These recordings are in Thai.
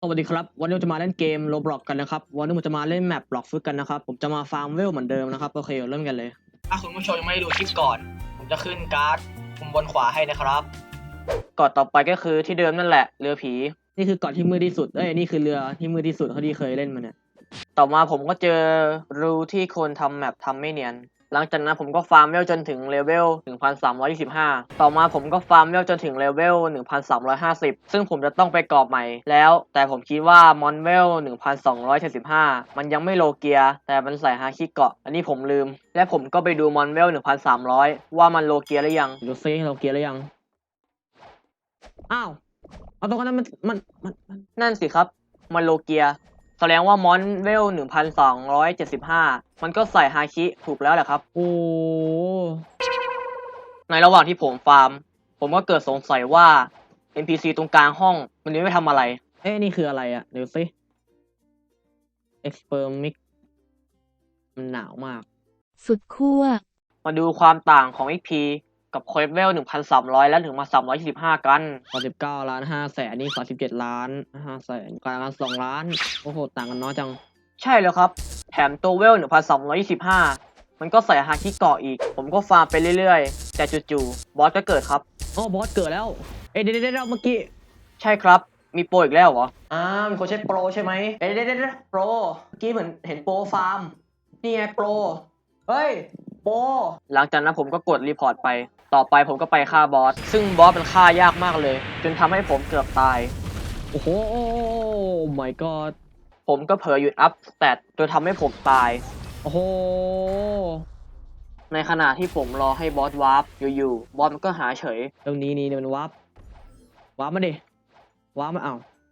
สวัสดีครับวันนี้เราจะมาเล่นเกม Roblox กันนะครับวันนี้ผมจะมาเล่นแมปบล็อกฟึกกันนะครับผมจะมาฟาร์มเวลเหมือนเดิมนะครับโอเคเริ่มกันเลยถ้าคุณผู้ชมยังไม่ได้ดูคลิปก่อนผมจะขึ้นการ์ดมุมบนขวาให้นะครับก่อนต่อไปก็คือที่เดิมนั่นแหละเรือผีนี่คือเกาะที่มืดที่สุดนี่คือเรือที่มืดที่สุดเท่าที่เคยเล่นมาเนี่ยต่อมาผมก็เจอรูที่คนทำแมปทำไม่เนียนหลังจากนั้นผมก็ฟาร์มเวลจนถึงเลเวล 1325 ต่อมาผมก็ฟาร์มเวลจนถึงเลเวล 1350 ซึ่งผมจะต้องไปกรอบใหม่แล้ว แต่ผมคิดว่ามอนเวล 1275 มันยังไม่โลเกีย แต่มันใส่ฮาคิเกาะ อันนี้ผมลืม และผมก็ไปดูมอนเวล 1300 ว่ามันโลเกียหรือยังดูซิโลเกียหรือยัง อ้าว เอาตรงนั้นมันนั่นสิครับ มันโลเกีย แสดงว่ามอนเวล 1275 มันก็ใส่ฮาคิถูกแล้วแหละครับ โอ้ในระหว่างที่ผมฟาร์ม ผมก็เกิดสงสัยว่า NPC ตรงกลางห้องมันไม่ทำอะไร นี่คืออะไรอะเดี๋ยวสิ Expermic มันหนาวมากสุดขั้วมาดูความต่างของ XP กับเควสเวล 1,300 และถึงมา 325 กัน39ล้าน5แสนนี่37ล้าน5แสนกลางกัน2ล้าน โอ้โห ต่างกันน้อยจัง ใช่แล้วครับ แถมตัวเวล 1,325 มันก็ใส่ฮาคิเกาะอีก ผมก็ฟาร์มไปเรื่อยๆ แต่จู่ๆบอสก็เกิดครับอ๋อบอสเกิดแล้ว เดี๋ยวเมื่อกี้ ใช่ครับ มีโปรอีกแล้วเหรอมีคนใช้โปรใช่ไหมเดี๋ยวโปร เมื่อกี้เหมือนเห็นโปรฟาร์ม นี่ไงโปร เฮ้ย โปร หลังจากนั้นผมก็กดรีพอร์ตไป ต่อไปผมก็ไปฆ่าบอส ซึ่งบอสมันฆ่ายากมากเลย จนทำให้ผมเกือบตาย โอ้โห my god ผมก็เผลอหยุดอัพสเตตจนทำให้ผมตาย โอ้โห ในขณะที่ผมรอให้บอสวาร์ปอยู่ๆบอสมันก็หายเฉย ตรงนี้มันวาร์ปมาดิวาร์ปมา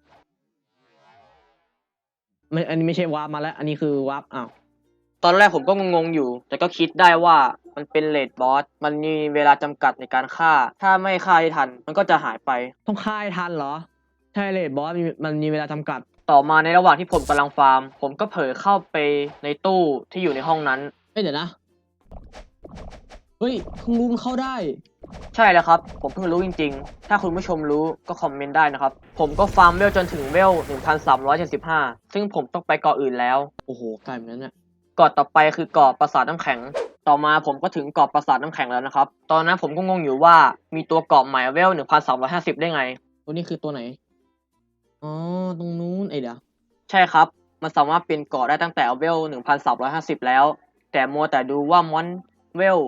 อันนี้ไม่ใช่วาร์ปมาแล้ว อันนี้คือวาร์ปตอนแรกผมก็งงๆอยู่ แต่ก็คิดได้ว่ามันเป็นเรดบอส มันมีเวลาจำกัดในการฆ่า ถ้าไม่ฆ่าให้ทัน มันก็จะหายไป ต้องฆ่าให้ทันเหรอ ใช่เรดบอสมันมีเวลาจำกัด ต่อมาในระหว่างที่ผมกำลังฟาร์ม ผมก็เผลอเข้าไปในตู้ที่อยู่ในห้องนั้นเดี๋ยวนะ เฮ้ยเพิ่งรู้มันเข้าได้ ใช่แล้วครับ ผมเพิ่งรู้จริงๆ ถ้าคุณผู้ชมรู้ก็คอมเมนต์ได้นะครับ ผมก็ฟาร์มเวลจนถึงเวล 1375 ซึ่งผมต้องไปเกาะอื่นแล้ว โอ้โหไกลเหมือนกันเนี่ยเกาะต่อไปคือเกาะปราสาทน้ำแข็ง ต่อมาผมก็ถึงเกาะปราสาทน้ำแข็งแล้วนะครับ ตอนนั้นผมก็งงอยู่ว่ามีตัวเกาะใหม่เวล 1350 ได้ไง ตัวนี้คือตัวไหน อ๋อ ตรงนู้นเดี๋ยว ใช่ครับ มันสามารถเป็นเกาะได้ตั้งแต่เวล 1350 แล้ว แต่มัวแต่ดูว่ามอนเวล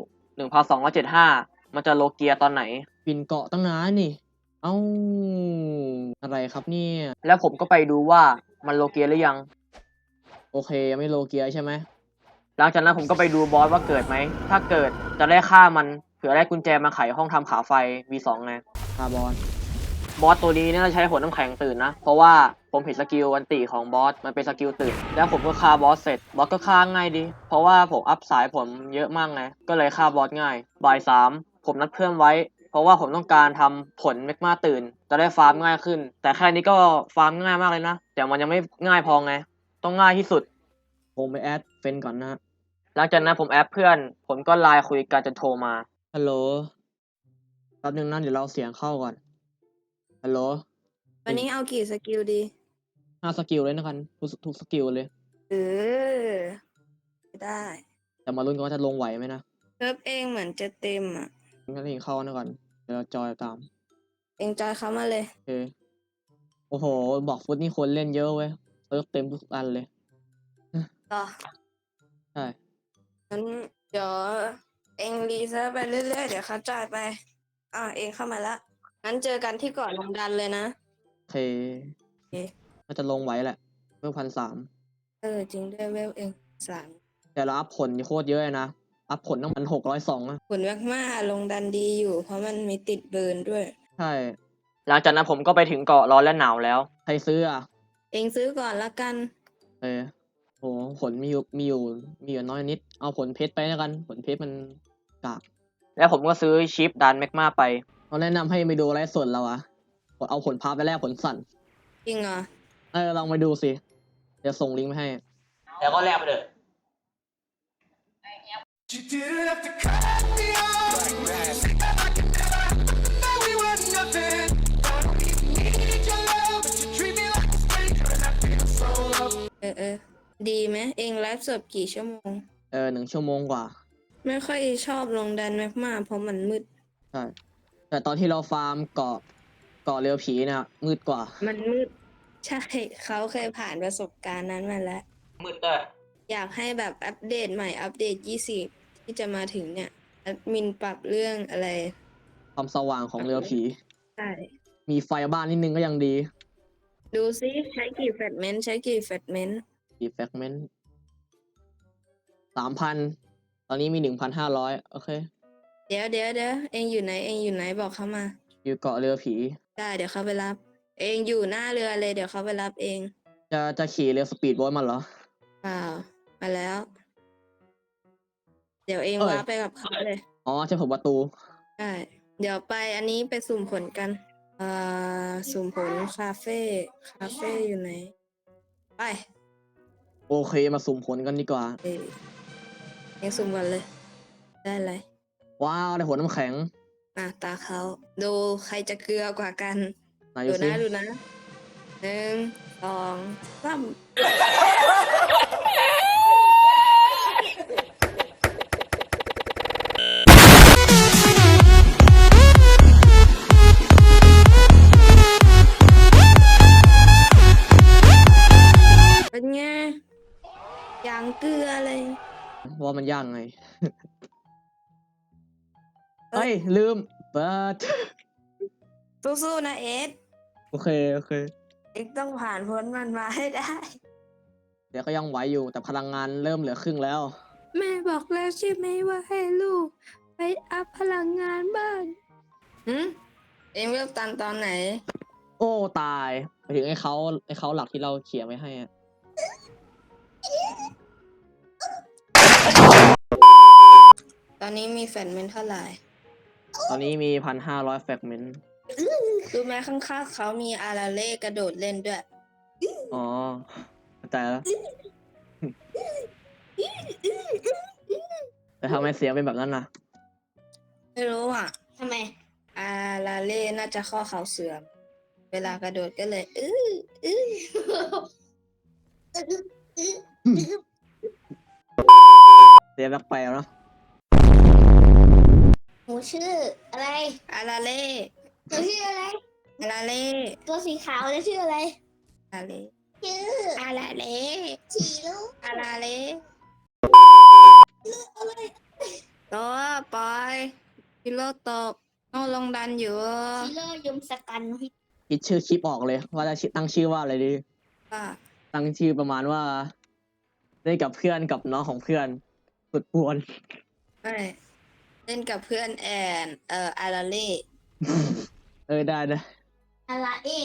1275 มันจะโลเกียตอนไหนปินเกาะตั้งนานนี่ เอ้า อะไรครับเนี่ย แล้วผมก็ไปดูว่ามันโลเกียหรือยัง โอเคยังไม่โลเกียใช่ไหม หลังจากนั้นผมก็ไปดูบอสว่าเกิดไหม ถ้าเกิดจะได้ฆ่ามัน เผื่อได้กุญแจมาไขห้องทำขาไฟ V2 ไงฆ่าบอสตัวนี้เนี่ยใช้หัวน้ำแข็งตื่นนะ เพราะว่าผมเห็นสกิลอันติของบอส มันเป็นสกิลตื่น แล้วผมก็ฆ่าบอสเสร็จ บอสก็ฆ่าง่ายดี เพราะว่าผมอัพสายผมเยอะมากไง ก็เลยฆ่าบอสง่าย บ่าย 3 ผมนัดเพื่อนไว้ เพราะว่าผมต้องการทำผลเมกมาตื่น จะได้ฟาร์มง่ายขึ้น แต่แค่นี้ก็ฟาร์มง่ายมากเลยนะ แต่มันยังไม่ง่ายพอไง ต้องง่ายที่สุด ผมไปแอดเฟนก่อนนะ หลังจากนั้นผมแอดเพื่อน ผมก็ไลน์คุยกันจนโทรมา ฮัลโหล แป๊บนึงนะเดี๋ยวเราเสียงเข้าก่อน ฮัลโหลวันนี้เอากี่สกิลดี 5 สกิลเลยนะกันทุกสกิลเลยเออ ได้แต่มาลุ้นกันว่าจะลงไหวไหมนะเซิร์ฟเองเหมือนจะเต็มอ่ะงั้นเองเข้านะก่อน เดี๋ยวเราจอยตามเองจอยเขามาเลยโอเค โอ้โห บอกฟุตนี่คนเล่นเยอะเว้ยเซิร์ฟเต็มทุกอันเลยต่อใช่งั้นเดี๋ยวเองรีเซิร์ฟไปเรื่อยๆ เดี๋ยวเขาจอยไป เองเข้ามาละ งั้นเจอกันที่เกาะลงดันเลยนะโอเคโอเคน่าจะลงไหวแหละเมื่อ1,300 จริงด้วยเวลเอง3 แต่เราอัพผลโคตรเยอะเลยนะ อัพผลตั้ง1,602อะผลมากๆลงดันดีอยู่ เพราะมันมีติดเบิร์นด้วยใช่ หลังจากนั้นผมก็ไปถึงเกาะร้อนและหนาวแล้ว ใครซื้ออ่ะเองซื้อก่อนละกันโหผลมีอยู่น้อยนิด เอาผลเพชรไปแล้วกัน ผลเพชรมันกาก แล้วผมก็ซื้อชิปดันแมกมาไปเราแนะนำให้ไปดูไลฟ์สดเราอะเอาผลพาไปแลกผลสั่นจริงเหรอลองไปดูสิ เดี๋ยวส่งลิงก์ไปให้ แล้วก็แลกไปเลย You didn't have to cut me off. I could never know we were nothing. I don't even need your love, but you treat me like a snake. อดีไหมเองไลฟ์สดกี่ชั่วโมง 1 ชั่วโมงกว่าไม่ค่อยชอบลงดันแมกมาเพราะมันมืดใช่ แต่ตอนที่เราฟาร์มเกาะเรือผีเนี่ยมืดกว่ามันมืด ใช่เขาเคยผ่านประสบการณ์นั้นมาแล้วมืดด้วยอยากให้แบบอัปเดตใหม่อัปเดต20ที่จะมาถึงเนี่ยแอดมินปรับเรื่องอะไรความสว่างของเรือผีใช่มีไฟบ้านนิดนึงก็ยังดีดูซิใช้กี่แฟลชเมนต์ใช้กี่แฟลชเมนต์กี่แฟกเมนต์3,000 ตอนนี้มี 1,500 โอเคเดี๋ยวเองอยู่ไหนเองอยู่ไหนบอกเขามาอยู่เกาะเรือผีได้เดี๋ยวเขาไปรับ เองอยู่หน้าเรือเลยเดี๋ยวเขาไปรับเองจะขี่เรือสปีดโบ๊ทมันเหรอเปล่ามาแล้ว เดี๋ยวเองเอ้ยว้าไปกับเขาเลยอ๋อใช่ผมประตูใช่เดี๋ยวไปอันนี้ไปสุ่มผลกันสุ่มผลคาเฟ่อยู่ไหน ไปโอเคมาสุ่มผลกันดีกว่าเองสุ่มกันเลย ได้เลยว้าวได้ผลน้ำแข็งตาเขาดูใครจะเกลือกว่ากันไหนายดูดูสินะดูนะ1 2 3เป็นไงอย่างเกลือเลยว่ามันย่างไง เฮ้ย ลืมเปิดสู้ๆนะเอสโอเคเอ็กต้องผ่านพ้นมันมาให้ได้เดี๋ยวก็ยังไหวอยู่แต่พลังงานเริ่มเหลือครึ่งแล้วแม่บอกแล้วใช่ไหมว่าให้ลูก ไปอัพพลังงานบ้างเอ็งเริ่มตันตอนไหนโอ้ตายไปถึงไอ้เขาหลักที่เราเขียนไว้ให้อะตอนนี้มีแฟนเมนเท่าไหร่ตอนนี้มี 1,500 แฟกเมนต์รู้ไหมข้างๆเขามีอาราเล่กระโดดเล่นด้วยอ๋อเข้าใจแล้ว แต่ทำไมเสียงเป็นแบบนั้นนะไม่รู้อ่ะทำไม อาราเล่น่าจะข้อเข่าเสื่อม เวลากระโดดก็เลยเสียงแปลกๆเนาะหนูชื่ออะไรอาราเล่หนูชื่ออะไรอาราเล่ตัวสีขาวจะชื่ออะไรอาราเล่ชื่ออาราเล่ฉีลูกอาราเล่อะไรตัวปอยพิโลตกโนลงดันอยู่ชิโร่ยมสกันพิษคิดชื่อคลิปออกเลย ว่าจะตั้งชื่อว่าอะไรดีว่าตั้งชื่อประมาณว่าเล่นกับเพื่อนกับน้องของเพื่อนสุดปวนไม่เล่นกับเพื่อนแอนอาราเล่ได้นะอะไร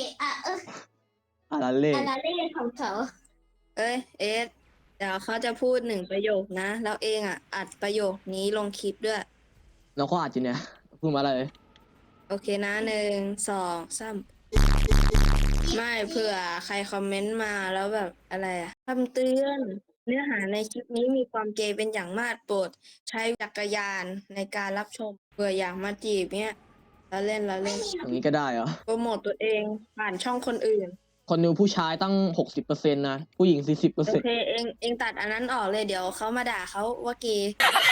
อะไรเล่อะไรเล่ของเขาเอ้ยเอสเดี๋ยวเขาจะพูด1 ประโยคนะ แล้วเองอัดประโยคนี้ลงคลิปด้วยเราก็อาจจะเนี่ยพูดมาอะไรโอเคนะ1 2 3ไม่เผื่อใครคอมเมนต์มาแล้วแบบอะไรคำเตือน เนื้อหาในคลิปนี้มีความเกย์เป็นอย่างมากโปรดใช้จักรยานในการรับชมเผื่ออยากมาจีบเนี่ยแล้วเล่นอย่างนี้ก็ได้เหรอโปรโมตตัวเองผ่านช่องคนอื่นคนดูผู้ชายตั้ง 60%นะ ผู้หญิงโอเค 40% เองตัดอันนั้นออกเลยเดี๋ยวเขามาด่าเขาว่าเกย์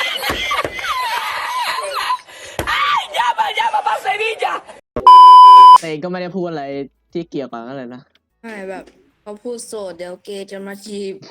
แต่เองก็ไม่ได้พูดอะไรที่เกี่ยวกับอะไรนะไม่แบบเขาพูดโสดเดี๋ยวเกย์จะมาจีบ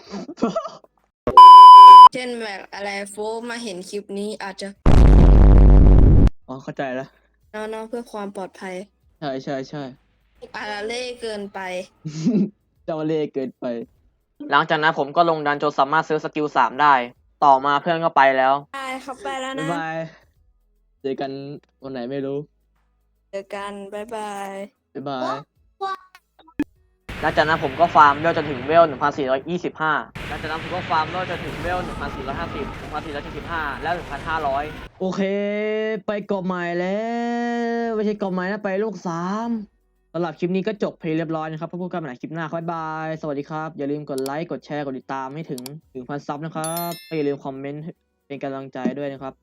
เช่นแบบอะไรโฟกมาเห็นคลิปนี้อาจจะอ๋อเข้าใจแล้วเนาะเพื่อความปลอดภัยใช่อาราเล่เกินไปเจ้าเล่ห์เกินไป หลังจากนั้นผมก็ลงดันจนสามารถซื้อสกิล 3 ได้ ต่อมาเพื่อนก็ไปแล้วไปเขาไปแล้วบ๊านะยบาย เจอกันวันไหนไม่รู้เจอกัน บ๊ายบายบ๊ายบาย หลังจากนั้นผมก็ฟาร์มเวลจนถึงเวล 1,425 หลังจากนั้นผมก็ฟาร์มเวลจนถึงเวล 1,450 1,475 แล้ว 1,500 โอเค ไปเกาะใหม่แล้ว ไม่ใช่เกาะใหม่นะ ไปโลก 3สำหรับคลิปนี้ก็จบเพลย์เรียบร้อยนะครับพบกันใหม่ในคลิปหน้าครับบ๊ายบาย สวัสดีครับ อย่าลืมกดไลค์ กดแชร์ กดติดตามให้ถึง 1,000 ซับนะครับและอย่าลืมคอมเมนต์เป็นกำลังใจด้วยนะครับ